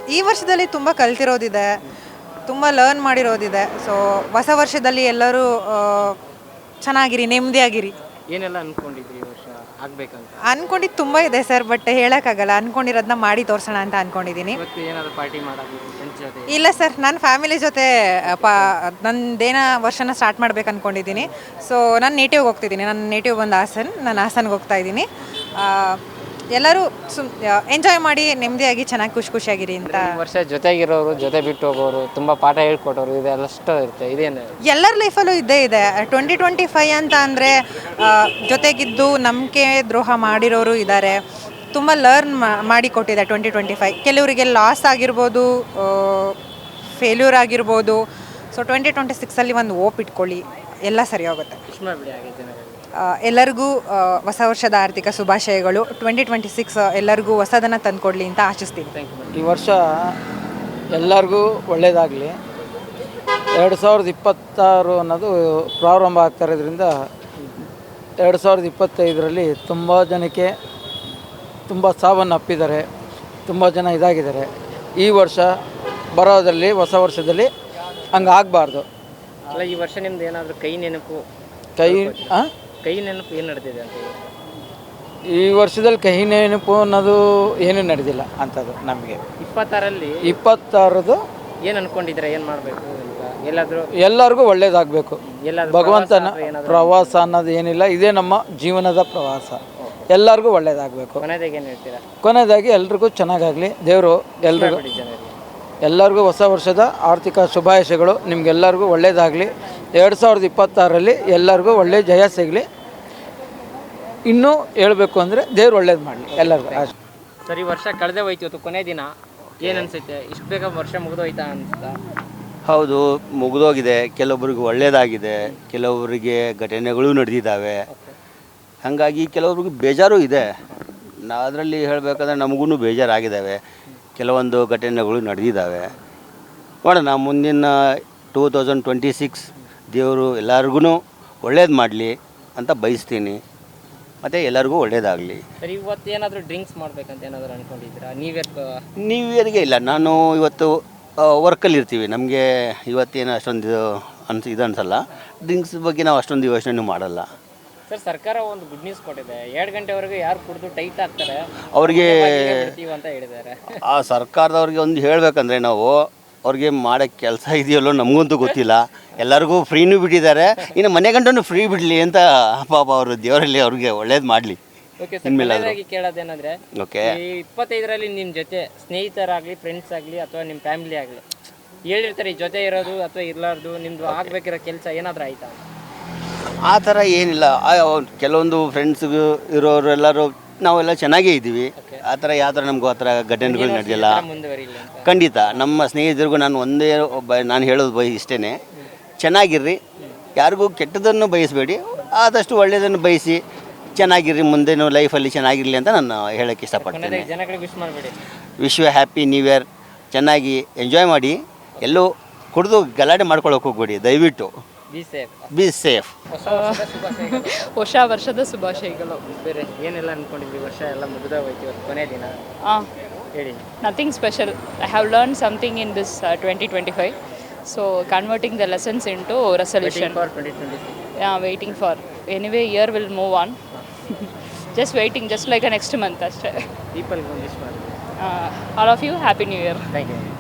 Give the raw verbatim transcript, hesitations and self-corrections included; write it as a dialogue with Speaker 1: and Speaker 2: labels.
Speaker 1: ಈ ವರ್ಷದಲ್ಲಿ ತುಂಬ ಕಲ್ತಿರೋದಿದೆ, ತುಂಬ ಲರ್ನ್ ಮಾಡಿರೋದಿದೆ. ಸೊ ಹೊಸ ವರ್ಷದಲ್ಲಿ ಎಲ್ಲರೂ ಆ, ಚೆನ್ನಾಗಿರಿ, ನೆಮ್ಮದಿಯಾಗಿರಿ.
Speaker 2: ಏನೆಲ್ಲ ಅನ್ಕೊಂಡಿದ್ರಿ ಈ ವರ್ಷ ಆಗ್ಬೇಕಂತ?
Speaker 1: ಅನ್ಕೊಂಡಿದ್ದು ತುಂಬ ಇದೆ ಸರ್, ಬಟ್ ಹೇಳೋಕ್ಕಾಗಲ್ಲ. ಅನ್ಕೊಂಡಿರೋದನ್ನ ಮಾಡಿ ತೋರಿಸೋಣ ಅಂತ ಅನ್ಕೊಂಡಿದ್ದೀನಿ.
Speaker 2: ಇವತ್ತು ಏನಾದ್ರು ಪಾರ್ಟಿ ಮಾಡೋದು ಫ್ರೆಂಡ್ಸ್ ಜೊತೆ?
Speaker 1: ಇಲ್ಲ ಸರ್, ನಾನು ಫ್ಯಾಮಿಲಿ ಜೊತೆ ಪಾ ನಂದೇನ ವರ್ಷನ ಸ್ಟಾರ್ಟ್ ಮಾಡ್ಬೇಕು ಅಂದ್ಕೊಂಡಿದ್ದೀನಿ. ಸೊ ನಾನು ನೇಟಿವ್ಗೆ ಹೋಗ್ತಿದ್ದೀನಿ. ನನ್ನ ನೇಟಿವ್ ಬಂದು ಹಾಸನ್. ನಾನು ಹಾಸನ್ಗೆ ಹೋಗ್ತಾ ಇದ್ದೀನಿ. ಎಲ್ಲರೂ ಸುಮ್ ಎಂಜಾಯ್ ಮಾಡಿ ನೆಮ್ಮದಿಯಾಗಿ ಚೆನ್ನಾಗಿ ಖುಷಿ ಖುಷಿಯಾಗಿರಿ ಅಂತ.
Speaker 2: ಈ ವರ್ಷ ಜೊತೆಗಿರೋರು, ಜೊತೆ ಬಿಟ್ಟು ಹೋಗೋರು, ತುಂಬ ಪಾಠ ಹೇಳ್ಕೊಟ್ಟೋರು, ಇದೆಲ್ಲಷ್ಟು ಇರುತ್ತೆ. ಇದೇನು
Speaker 1: ಎಲ್ಲರ ಲೈಫಲ್ಲೂ ಇದ್ದೇ ಇದೆ. ಟ್ವೆಂಟಿ ಟ್ವೆಂಟಿ ಫೈ ಅಂತ ಅಂದರೆ ಜೊತೆಗಿದ್ದು ನಂಬಿಕೆ ದ್ರೋಹ ಮಾಡಿರೋರು ಇದ್ದಾರೆ. ತುಂಬ ಲರ್ನ್ ಮಾಡಿ ಕೊಟ್ಟಿದೆ ಟ್ವೆಂಟಿ ಟ್ವೆಂಟಿ ಫೈ. ಕೆಲವರಿಗೆ ಲಾಸ್ ಆಗಿರ್ಬೋದು, ಫೇಲ್ಯೂರ್ ಆಗಿರ್ಬೋದು. ಸೊ ಟ್ವೆಂಟಿ ಟ್ವೆಂಟಿ ಸಿಕ್ಸಲ್ಲಿ ಒಂದು ಓಪ್ ಇಟ್ಕೊಳ್ಳಿ, ಎಲ್ಲ ಸರಿ ಹೋಗುತ್ತೆ.
Speaker 2: ವಿಶ್ ಮಾಡಿಬಿಡಿ ಹಾಗೆ ಜನರಿಗೆ.
Speaker 1: ಎಲ್ಲರಿಗೂ ಹೊಸ ವರ್ಷದ ಆರ್ಥಿಕ ಶುಭಾಶಯಗಳು. ಟ್ವೆಂಟಿ ಟ್ವೆಂಟಿ ಸಿಕ್ಸ್ ಎಲ್ಲರಿಗೂ ಹೊಸದನ್ನು ತಂದುಕೊಡ್ಲಿ ಅಂತ ಆಶಿಸ್ತೀನಿ.
Speaker 2: Thank you.
Speaker 3: ಈ ವರ್ಷ ಎಲ್ಲರಿಗೂ ಒಳ್ಳೆಯದಾಗಲಿ. ಎರಡು ಸಾವಿರದ ಇಪ್ಪತ್ತಾರು ಅನ್ನೋದು ಪ್ರಾರಂಭ ಆಗ್ತಾ ಇರೋದ್ರಿಂದ ಎರಡು ಸಾವಿರದ ಇಪ್ಪತ್ತೈದರಲ್ಲಿ ತುಂಬ ಜನಕ್ಕೆ ತುಂಬ ಸಾವನ್ನಪ್ಪಿದ್ದಾರೆ, ತುಂಬ ಜನ ಇದಾಗಿದ್ದಾರೆ. ಈ ವರ್ಷ ಬರೋದರಲ್ಲಿ, ಹೊಸ ವರ್ಷದಲ್ಲಿ ಹಂಗೆ ಆಗಬಾರ್ದು.
Speaker 2: ಅಲ್ಲ, ಈ ವರ್ಷ ನಿಮ್ದು ಏನಾದರೂ ಕೈ ನೆನಪು
Speaker 3: ಕೈ ಆ?
Speaker 2: ಕೈ ನೆನಪು ಏನು ನಡೆದಿದೆ ಅಂತ?
Speaker 3: ಈ ವರ್ಷದಲ್ಲಿ ಕಹಿ ನೆನಪು ಅನ್ನೋದು ಏನೂ ನಡೆದಿಲ್ಲ ಅಂಥದ್ದು ನಮಗೆ.
Speaker 2: ಇಪ್ಪತ್ತಾರಲ್ಲಿ
Speaker 3: ಇಪ್ಪತ್ತಾರದು
Speaker 2: ಏನು ಅನ್ಕೊಂಡಿದ್ರೆ ಏನು ಮಾಡಬೇಕು ಅಂತ? ಎಲ್ಲಾದರೂ
Speaker 3: ಎಲ್ಲರಿಗೂ ಒಳ್ಳೇದಾಗಬೇಕು.
Speaker 2: ಎಲ್ಲಾದರೂ
Speaker 3: ಭಗವಂತನ ಪ್ರವಾಸ ಅನ್ನೋದು ಏನಿಲ್ಲ, ಇದೇ ನಮ್ಮ ಜೀವನದ ಪ್ರವಾಸ. ಎಲ್ಲರಿಗೂ ಒಳ್ಳೇದಾಗಬೇಕು.
Speaker 2: ಕೊನೆದಾಗಿ ಏನು ಹೇಳ್ತೀರಾ?
Speaker 3: ಕೊನೆಯದಾಗಿ ಎಲ್ರಿಗೂ ಚೆನ್ನಾಗಾಗಲಿ ದೇವರು. ಎಲ್ರಿಗೂ
Speaker 2: ಜನರಿಗೆ
Speaker 3: ಎಲ್ಲರಿಗೂ ಹೊಸ ವರ್ಷದ ಆರ್ಥಿಕ ಶುಭಾಶಯಗಳು. ನಿಮಗೆಲ್ಲರಿಗೂ ಒಳ್ಳೆಯದಾಗಲಿ. ಎರಡು ಸಾವಿರದ ಇಪ್ಪತ್ತಾರರಲ್ಲಿ ಎಲ್ಲರಿಗೂ ಒಳ್ಳೆಯ ಜಯ ಸಿಗಲಿ. ಇನ್ನೂ ಹೇಳಬೇಕು ಅಂದರೆ ದೇವ್ರು ಒಳ್ಳೇದು ಮಾಡಲಿ ಎಲ್ಲರಿಗೂ.
Speaker 2: ಸರಿ, ವರ್ಷ ಕಳೆದೇ ಹೋಯ್ತು, ಇವತ್ತು ಕೊನೆ ದಿನ. ಏನು ಅನಿಸುತ್ತೆ? ಇಷ್ಟು ಬೇಗ ವರ್ಷ ಮುಗಿದೋಯ್ತಾ ಅನಿಸ್ತಾ?
Speaker 4: ಹೌದು, ಮುಗಿದೋಗಿದೆ. ಕೆಲವೊಬ್ಬರಿಗೆ ಒಳ್ಳೆಯದಾಗಿದೆ, ಕೆಲವೊಬ್ಬರಿಗೆ ಘಟನೆಗಳು ನಡೆದಿದ್ದಾವೆ. ಹಾಗಾಗಿ ಕೆಲವೊಬ್ರಿಗೆ ಬೇಜಾರು ಇದೆ. ನಾ ಅದರಲ್ಲಿ ಹೇಳಬೇಕಂದ್ರೆ ನಮಗೂ ಬೇಜಾರಾಗಿದ್ದಾವೆ. ಕೆಲವೊಂದು ಘಟನೆಗಳು ನಡೆದಿದ್ದಾವೆ. ನೋಡೋಣ, ಮುಂದಿನ ಟೂ ತೌಸಂಡ್ ಟ್ವೆಂಟಿ ಸಿಕ್ಸ್ ದೇವರು ಎಲ್ಲರಿಗೂ ಒಳ್ಳೇದು ಮಾಡಲಿ ಅಂತ ಬಯಸ್ತೀನಿ. ಮತ್ತು ಎಲ್ಲರಿಗೂ ಒಳ್ಳೇದಾಗಲಿ.
Speaker 2: ಸರಿ, ಇವತ್ತು ಏನಾದರೂ ಡ್ರಿಂಕ್ಸ್ ಮಾಡ್ಬೇಕಂತ ಏನಾದರೂ ಅಂದ್ಕೊಂಡಿದ್ದೀರಾ? ನ್ಯೂ ಇಯರ್
Speaker 4: ನ್ಯೂ ಇಯರ್ಗೆ ಇಲ್ಲ, ನಾನು ಇವತ್ತು ವರ್ಕಲ್ಲಿ ಇರ್ತೀವಿ. ನಮಗೆ ಇವತ್ತೇನು ಅಷ್ಟೊಂದು ಅನ್ಸ್ ಇದು ಅನಿಸಲ್ಲ. ಡ್ರಿಂಕ್ಸ್ ಬಗ್ಗೆ ನಾವು ಅಷ್ಟೊಂದು ಯೋಚನೆ ಮಾಡಲ್ಲ.
Speaker 2: ಸರ್, ಸರ್ಕಾರ ಒಂದು ಗುಡ್ ನ್ಯೂಸ್ ಕೊಟ್ಟಿದೆ. ಎರಡು ಗಂಟೆವರೆಗೂ ಯಾರು ಕುಡಿದು ಟೈಟ್ ಆಗ್ತಾರೆ
Speaker 4: ಅವ್ರಿಗೆ
Speaker 2: ಬಿಡ್ತೀವಿ ಅಂತ ಹೇಳಿದ್ದಾರೆ.
Speaker 4: ಆ ಸರ್ಕಾರದವ್ರಿಗೆ ಒಂದು ಹೇಳಬೇಕಂದ್ರೆ, ನಾವು ಅವ್ರಿಗೆ ಮಾಡೋಕ್ಕೆ ಕೆಲಸ ಇದೆಯಲ್ಲೋ ನಮಗಂತೂ ಗೊತ್ತಿಲ್ಲ. ಎಲ್ಲರಿಗೂ ಫ್ರೀನೂ ಬಿಟ್ಟಿದ್ದಾರೆ, ಇನ್ನು ಮನೆ ಗಂಟನೂ ಫ್ರೀ ಬಿಡಲಿ ಅಂತ ಪಾಪ ಅವರು ದೇವರಲ್ಲಿ ಅವ್ರಿಗೆ ಒಳ್ಳೇದು ಮಾಡಲಿ.
Speaker 2: ಓಕೆ ಸರ್, ಕೊನೆಯದಾಗಿ ಕೇಳೋದೇನಂದರೆ,
Speaker 4: ಓಕೆ,
Speaker 2: ಈ ಇಪ್ಪತ್ತೈದರಲ್ಲಿ ನಿಮ್ಮ ಜೊತೆ ಸ್ನೇಹಿತರಾಗಲಿ, ಫ್ರೆಂಡ್ಸ್ ಆಗಲಿ, ಅಥವಾ ನಿಮ್ಮ ಫ್ಯಾಮಿಲಿ ಆಗಲಿ ಹೇಳಿರ್ತಾರೆ ಈ ಜೊತೆ ಇರೋದು ಅಥವಾ ಇರಲಾರ್ದು, ನಿಮ್ಮದು ಆಗಬೇಕಿರೋ ಕೆಲಸ ಏನಾದರೂ ಆಯಿತಾ?
Speaker 4: ಆ ಥರ ಏನಿಲ್ಲ. ಕೆಲವೊಂದು ಫ್ರೆಂಡ್ಸ್ಗೂ ಇರೋರು ಎಲ್ಲರೂ ನಾವೆಲ್ಲ ಚೆನ್ನಾಗೇ ಇದ್ದೀವಿ. ಆ ಥರ ಯಾವ ಥರ ನಮಗೂ ಆ ಥರ ಘಟನೆಗಳು ನಡೆದಿಲ್ಲ.
Speaker 2: ಮುಂದುವರಿಲ್ಲ ಅಂತ
Speaker 4: ಖಂಡಿತ ನಮ್ಮ ಸ್ನೇಹಿತರಿಗೂ ನಾನು ಒಂದೇ ಒಬ್ಬ ನಾನು ಹೇಳೋದು ಬಯ ಇಷ್ಟೇ, ಚೆನ್ನಾಗಿರ್ರಿ, ಯಾರಿಗೂ ಕೆಟ್ಟದನ್ನು ಬಯಸಬೇಡಿ, ಆದಷ್ಟು ಒಳ್ಳೆಯದನ್ನು ಬಯಸಿ ಚೆನ್ನಾಗಿರ್ರಿ, ಮುಂದೇನು ಲೈಫಲ್ಲಿ ಚೆನ್ನಾಗಿರಲಿ ಅಂತ ನಾನು ಹೇಳೋಕ್ಕೆ ಇಷ್ಟಪಡ್ತೇನೆ.
Speaker 2: ಜನಗಳಿಗೆ ವಿಶ್ ಮಾಡಬೇಡಿ.
Speaker 4: Wish you happy new year. ಚೆನ್ನಾಗಿ ಎಂಜಾಯ್ ಮಾಡಿ, ಎಲ್ಲೂ ಕುಡಿದು ಗಲಾಟೆ ಮಾಡ್ಕೊಳ್ಳೋಕೆ ಹೋಗ್ಬೇಡಿ ದಯವಿಟ್ಟು.
Speaker 2: Be safe.
Speaker 4: Be safe.
Speaker 5: ಹೊಸ ವರ್ಷದ ಶುಭಾಶಯಗಳು.
Speaker 2: ಬೇರೆ ಏನೆಲ್ಲ ಅನ್ಕೊಂಡಿದ್ವಿ? ವರ್ಷ ಎಲ್ಲ ಮುಗಿದ ಹೋಯ್ತು, ಇವತ್ತು ಕೊನೆ ದಿನ.
Speaker 5: ಹಾಂ,
Speaker 2: ಹೇಳಿ.
Speaker 5: Nothing special. I have learn something in this twenty twenty five. So converting the lessons in to resolution.
Speaker 2: For twenty twenty six.
Speaker 5: Yeah, waiting for. Anyway year will move on. Just waiting, just like a next month ಅಷ್ಟೇ.
Speaker 2: ಪೀಪಲ್ಗೆ ಒಂದು wish ಮಾಡಿ.
Speaker 5: All of you happy new year.
Speaker 2: Thank you.